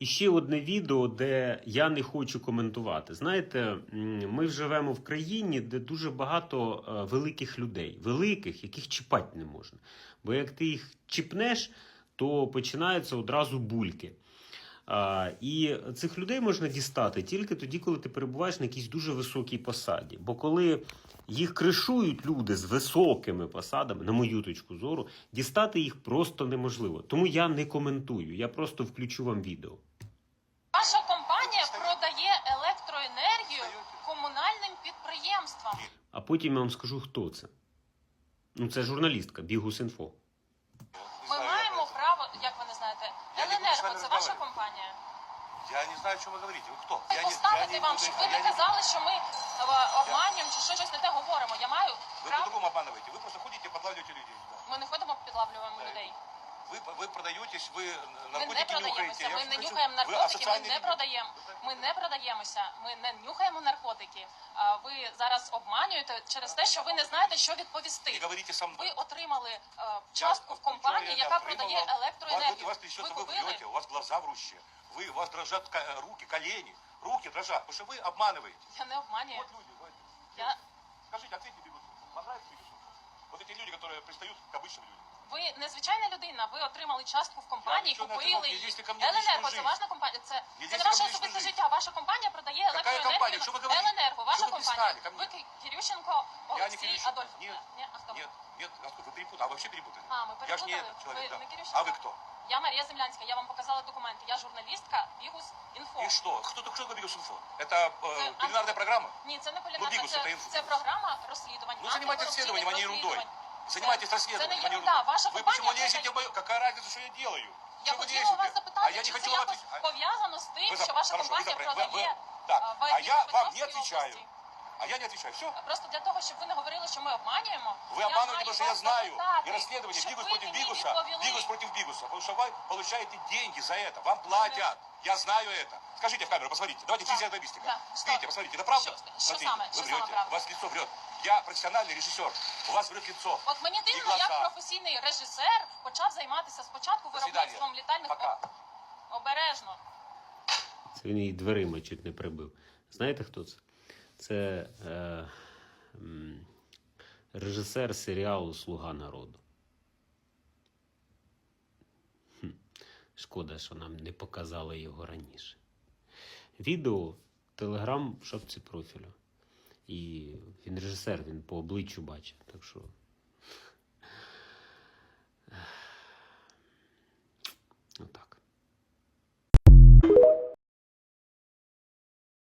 І ще одне відео, де я не хочу коментувати. Знаєте, ми живемо в країні, де дуже багато великих людей. Великих, яких чіпати не можна. Бо як ти їх чіпнеш, то починаються одразу бульки. І цих людей можна дістати тільки тоді, коли ти перебуваєш на якійсь дуже високій посаді. Бо коли їх кришують люди з високими посадами, на мою точку зору, дістати їх просто неможливо. Тому я не коментую, я просто включу вам відео. Ваша компанія продає електроенергію комунальним підприємствам. А потім я вам скажу, хто це. Ну, це журналістка, Бігус.Інфо. Ми маємо право, як ви не знаєте, Еленерго – це ваша компанія? Я не знаю, о чем вы говорите. Вы кто? Ти поставити вам, щоб ви не казали, що ми обманюємо чи щось не те говоримо. Я маю Вы право. по-другому обманываете. Вы просто ходите и подлавливаете людей. Ми не ходимо, підлавлюємо людей. Вы продаетесь, вы Ми не наркотики нюхаете. продаємося, Я ми вам не хочу- нюхаємо Вы наркотики, ми асоциальный не люди. продаємо. Ми не продаємося, ми не нюхаємо наркотики. Ви зараз обманюєте через те, що ви не знаєте, що відповісти. Не говорите со мной. Ви отримали частку в компанії, яка продає електроенергію. У вас трясется, Ви вы купили? врете, у вас глаза врущие. У вас дрожат руки, колени. Руки дрожат, потому что вы обманываете. Я не обманюю. Вот люди, вот. Я... Скажите, ответьте Бигусу. Понравится Бигусу? Вот эти люди, которые пристают к обычным людям. Ви незвичайна людина, ви отримали частку в компанії, Я нічого не купили отримав, її. не лізьте ко мені в Еленерго, лічну це жизнь. ваша компанія, це Не не лізьте ваше ко мені в особисте лічну життя. Ваша компанія продає Какая електроенергію. компания? Что вы говорите? Еленерго, ваша Что вы компанія. пристали ко мне? Ви Кирющенко, Я не Олексій, Кирющенко. Адольф. Нет. Ні, а хто? Нет, нет, насколько вы перепутали, а вообще перепутали. А, мы Я же не перепутали. этот человек, Вы да. не Кирющенко? А вы кто? Я Марія Землянська, я вам показала документи. Я журналістка, Бігус.Інфо. И что? Кто такой Бигус.Инфо? Это Это кулинарная программа? Ні, це не кулінарна, Бігус, це це інфо. програма розслідувань. Ну, занимайтесь расследованием, а не ерундой. Занимайтесь Це расследованием, не а не ерунда. ерундой. Ваша Вы компания почему лезете продає- в мою... Какая разница, что я делаю? Я Что вы хотіла у вас лезете? запитати, А я не чи хочу це вам якось отвечать. пов'язано з тим, що ваша Хорошо, компанія вы- продає Так, в а я вам не Дніпропетровській отвечаю. області. А я не отвечаю. Все? Просто для того, щоб ви не говорили, що ми обманюємо. Вы я обманываете, маю потому что я вас знаю. запитати, И расследование щоб Бигус ви против мені Бигуса. відповіли. Бигус против Бигуса. Потому что вы получаете деньги за это. Вам платят. Я знаю это. Скажите в камеру, посмотрите. Давайте Да. физиогномистика. Да. Что? Видите, посмотрите, это правда? Что Смотрите, самое? вы Что врете. самое правда? У вас лицо врет. Я профессиональный режиссер. У вас врет лицо. От мені І дивно, глаза. як професійний режисер почав займатися спочатку До свидания. виробництвом літальних Пока. обережно. Це він її дверима чуть не прибив. Знаєте, хто це? Це режисер серіалу «Слуга народу». Шкода, що нам не показали його раніше. Відео в Телеграм в шапці профілю. І він режисер, він по обличчю бачить. Так що